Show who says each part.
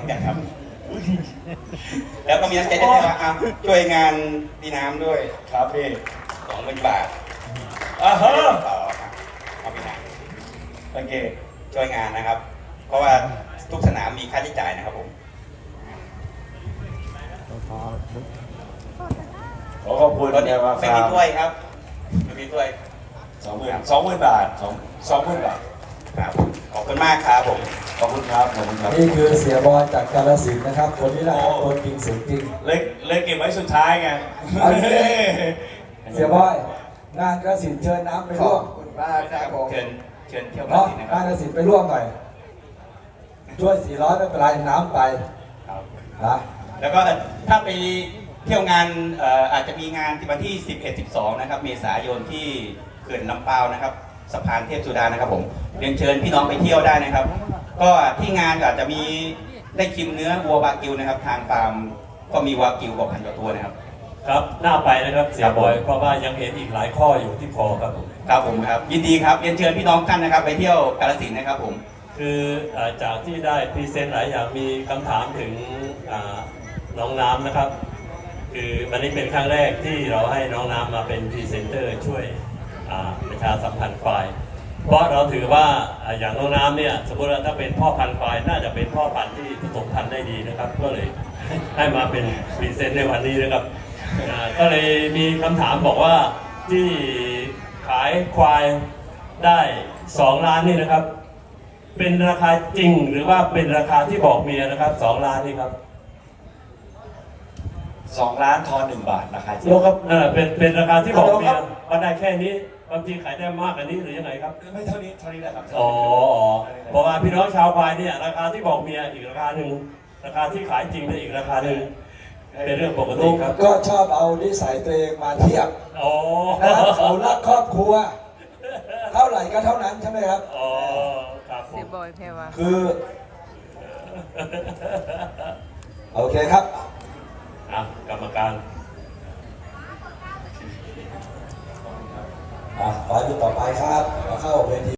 Speaker 1: กันครับแล้วก็มีน้ำใจได้ว่าช่วยงานพี่น้ำด้วยครับพี่20,000 บาท
Speaker 2: ฮะ
Speaker 1: ต่อครับเอาพี่น้
Speaker 2: โอเค
Speaker 1: ำช่วยงานนะครับ เพราะว่าทุกสนามมีค่าใช้จ่ายนะครับผม
Speaker 2: ขอขอบคุณเนี่ยมา
Speaker 1: ไม่มีถ้วยครับไม่มีถ้วย
Speaker 2: 20,000 บาท20,000 บาท
Speaker 1: ครับขอบคุณมากครับผม
Speaker 2: ขอบคุณครับขอบคุณครับ
Speaker 3: นี่คือเสียบอยจากกาฬสินธุ์นะครับคนนี้แหละครับคนจริงเสียงจริง
Speaker 2: เลยเก็บไว้สุดท้ายไง
Speaker 3: เสียบอยงานกาฬสินธุ์เชิญน้ำไปร่วม
Speaker 1: คุณป้าครับผมเชิญเที่ยวกาฬ
Speaker 3: เนาะ
Speaker 1: สินธุ์นะค
Speaker 3: งา
Speaker 1: รับ
Speaker 3: นกาฬสินธุ์ไปร่วมหน่อยช่วย400ไม่เป็นไรน้ำไป
Speaker 1: ครับ
Speaker 3: นะ
Speaker 1: แล้วก็ถ้าไปเที่ยวงานอาจจะมีงานที่วันที่11-12นะครับเมษายนที่เขื่อนลำปาวนะครับสะพานเทพสุดานะครับผมเรียนเชิญพี่น้องไปเที่ยวได้นะครับก็ที่งานอาจจะมีได้ชิมเนื้อวัววากิวนะครับทางฟาร์มก็มีวากิวกว่า1,000 กว่าตัวนะครับ
Speaker 4: ครับน่าไปนะครับเสียบอยเพราะว่ายังเห็นอีกหลายข้ออยู่ที่คอครับผม
Speaker 1: ครับผมครับยินดีครับเรียนเชิญพี่น้องท่านนะครับไปเที่ยวกาฬสินธุ์นะครับผม
Speaker 4: คือจากที่ได้พรีเซนต์หลายอย่างมีคำถามถึงน้องน้ำนะครับคือวันนี้เป็นครั้งแรกที่เราให้น้องน้ำมาเป็นพรีเซนเตอร์ช่วยประชาสัมพันธ์ควายเพราะเราถือว่าอย่างน้องน้ำเนี่ยสมมติว่าถ้าเป็นพ่อพันธุ์ควายน่าจะเป็นพ่อพันธุ์ที่ผสมพันธุ์ได้ดีนะครับก็เลยให้มาเป็นพรีเซนต์ในวันนี้นะครับก็เลยมีคำถามบอกว่าที่ขายควายได้2 ล้านนี่นะครับเป็นราคาจริงหรือว่าเป็นราคาที่บอกเมียนะครับ2 ล้านนี่ครับ
Speaker 2: 2 ล้านทอน1 บาทราคาจริง
Speaker 4: ครับเป็นราคาที่บอกเมียว่าได้แค่นี้บางทีขายได้มากกว่านี้หรือยังไงครับ
Speaker 2: ไม่เท่านี้แหละครับ
Speaker 4: เพราะว่าพี่น้องชาวควายเนี่ยราคาที่บอกเมียอีกราคาหนึ่งราคาที่ขายจริงเป็นอีกราคาหนึ่งเป็นเรื่องปกติครับ
Speaker 3: ก็ชอบเอานิสัยตัวเองมาเทียบนะครับเขารักครอบครัวเท่าไหร่ก็เท่านั้นใช่ไหมครับ
Speaker 4: ครับ
Speaker 5: เสียบอยเพวะ
Speaker 3: คือโอเคครับ
Speaker 4: กรรมการ
Speaker 3: ไปดูต่อไปครับเข้าเวที